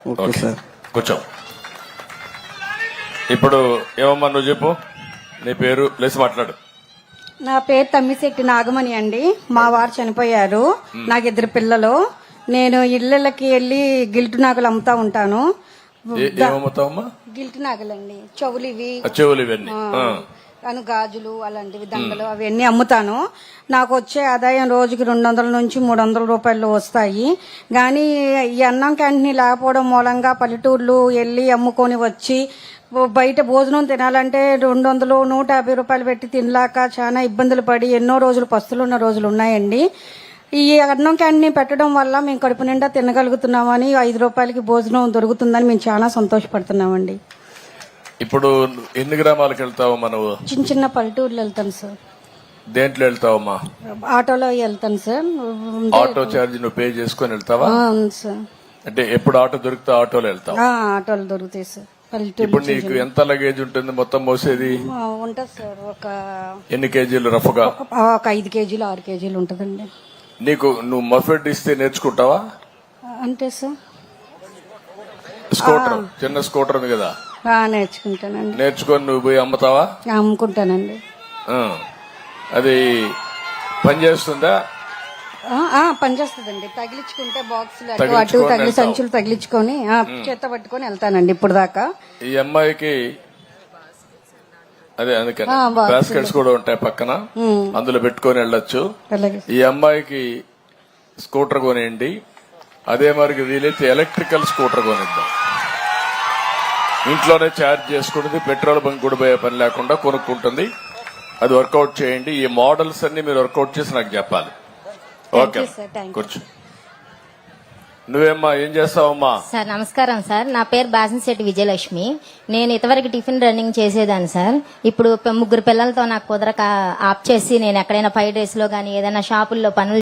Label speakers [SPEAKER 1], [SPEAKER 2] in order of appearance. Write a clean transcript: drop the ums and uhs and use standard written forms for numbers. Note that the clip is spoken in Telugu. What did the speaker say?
[SPEAKER 1] Okay sir.
[SPEAKER 2] కూర్చో. ఇప్పుడు ఏమమ్మా నువ్వు చెప్పు, నీ పేరు లేసి మాట్లాడు.
[SPEAKER 3] నా పేరు తమ్మిశెట్టి నాగమణి అండి. మా వారు చనిపోయారు. నాకు 2 పిల్లలు. నేను ఇళ్ళకి వెళ్ళి గిల్టు నాగలు అమ్ముతా ఉంటాను.
[SPEAKER 2] ఏమమ్ముతావమ్మా?
[SPEAKER 3] గిల్టు నాగలండి, చెవులు ఇవి,
[SPEAKER 2] చెవులు ఇవన్నీ,
[SPEAKER 3] గాజులు అలాంటివి, దండలు అవన్నీ అమ్ముతాను. నాకు వచ్చే ఆదాయం రోజుకి 200 నుంచి 300 రూపాయలు వస్తాయి. కానీ ఈ అన్నం క్యాంటీన్ లేకపోవడం మూలంగా పల్లెటూర్లు వెళ్ళి అమ్ముకొని వచ్చి బయట భోజనం తినాలంటే 200, 150 రూపాయలు పెట్టి తినలేక చాలా ఇబ్బందులు పడి ఎన్నో రోజులు పస్తులు ఉన్న రోజులు ఉన్నాయండి. ఈ అన్నం క్యాంటీన్ పెట్టడం వల్ల మేము కడుపు నిండా తినగలుగుతున్నామని, 5 రూపాయలకి భోజనం దొరుకుతుందని మేము చాలా సంతోషపడుతున్నామండి.
[SPEAKER 2] ఇప్పుడు ఎన్ని గ్రామాలకు వెళ్తావమ్మా నువ్వు?
[SPEAKER 3] చిన్న చిన్న పల్లెటూర్లు వెళ్తాను సార్.
[SPEAKER 2] దేంట్లో వెళ్తావమ్మా?
[SPEAKER 3] ఆటోలో వెళ్తాను సార్.
[SPEAKER 2] ఆటో ఛార్జ్ నువ్వు పే చేసుకుని వెళ్తావా?
[SPEAKER 3] అవును సార్.
[SPEAKER 2] అంటే ఎప్పుడు ఆటో దొరికితే ఆటోలో వెళ్తావు?
[SPEAKER 3] ఆటోలు దొరుకుతాయి సార్.
[SPEAKER 2] ఇప్పుడు నీకు ఎంత లగేజ్ ఉంటుంది మొత్తం మోసేది?
[SPEAKER 3] ఉంటుంది సార్. ఒక
[SPEAKER 2] ఎన్ని కేజీలు రఫ్గా?
[SPEAKER 3] ఒక 5 కేజీలు 6 కేజీలు ఉంటుందండి.
[SPEAKER 2] నువ్వు మఫెడ్ ఇస్తే నేర్చుకుంటావా?
[SPEAKER 3] అంటే సార్
[SPEAKER 2] స్కూటర్, చిన్న స్కూటర్ ఉంది కదా,
[SPEAKER 3] నేర్చుకుంటానండి.
[SPEAKER 2] నేర్చుకొని నువ్వు పోయి అమ్ముతావా?
[SPEAKER 3] అమ్ముకుంటానండి.
[SPEAKER 2] అది పనిచేస్తుందా?
[SPEAKER 3] పనిచేస్తుందండి. తగిలించుకుంటే బాక్సులు అటు తగిలి సంచులు తగిలించుకొని చేత పట్టుకొని వెళ్తానండి ఇప్పుడు దాకా.
[SPEAKER 2] ఈ అమ్మాయికి అదే అందుకని బాస్కెట్స్ కూడా ఉంటాయి పక్కన, అందులో పెట్టుకొని వెళ్ళొచ్చు. ఈ అమ్మాయికి స్కూటర్ కొనేయండి. అదే మరి వీలైతే ఎలక్ట్రికల్ స్కూటర్ కొనిద్దాం. ఇంట్లోనే ఛార్జ్ చేసుకుంటుంది, పెట్రోల్ బంక్ కూడా పోయే పని లేకుండా కొనుక్కుంటుంది. అది వర్కౌట్ చేయండి. ఈ మోడల్స్ అన్ని మీరు వర్కౌట్ చేసి నాకు చెప్పాలి. ఓకే, కూర్చో. నువ్వేమ్మా ఏం చేస్తావమ్మా?
[SPEAKER 4] సార్ నమస్కారం సార్. నా పేరు బాసిశెట్టి విజయలక్ష్మి. నేను ఇంతవరకు టిఫిన్ రన్నింగ్ చేసేదాన్ని సార్. ఇప్పుడు 3 పిల్లలతో నాకు కుదరక ఆప్ చేసి నేను ఎక్కడైనా 5 days లో గానీ ఏదైనా షాపుల్లో పనులు